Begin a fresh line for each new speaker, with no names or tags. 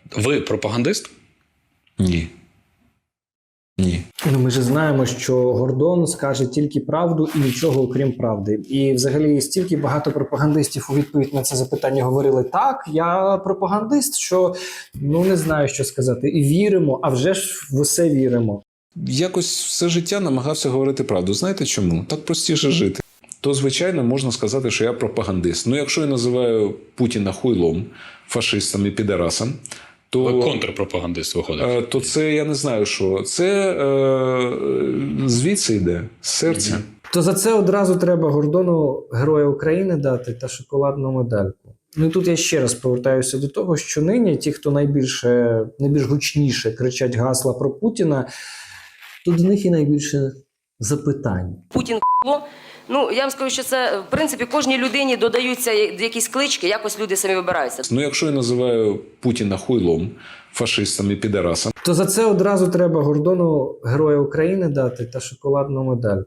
Ви пропагандист?
Ні. Ні.
Ну, ми ж знаємо, що Гордон скаже тільки правду і нічого окрім правди. І взагалі стільки багато пропагандистів у відповідь на це запитання говорили: так, я пропагандист, що не знаю, що сказати. І віримо, а вже ж в усе віримо.
Якось все життя намагався говорити правду. Знаєте чому? Так простіше жити. То, звичайно, можна сказати, що я пропагандист. Ну, якщо я називаю Путіна хуйлом, фашистом і підарасом, то...
Ви контрпропагандист виходить.
То це, я не знаю що. Це звідси йде, з серця.
То за це одразу треба Гордону Героя України дати та шоколадну медальку. Ну і тут я ще раз повертаюся до того, що нині ті, хто найбільш гучніше кричать гасла про Путіна, тут до них і найбільше запитань.
Путін х**ло. Ну, я вам скажу, що це, в принципі, кожній людині додаються якісь клички, якось люди самі вибираються.
Ну, якщо я називаю Путіна хуйлом, фашистом і підарасом,
То за це одразу треба Гордону Героя України дати та шоколадну медальку.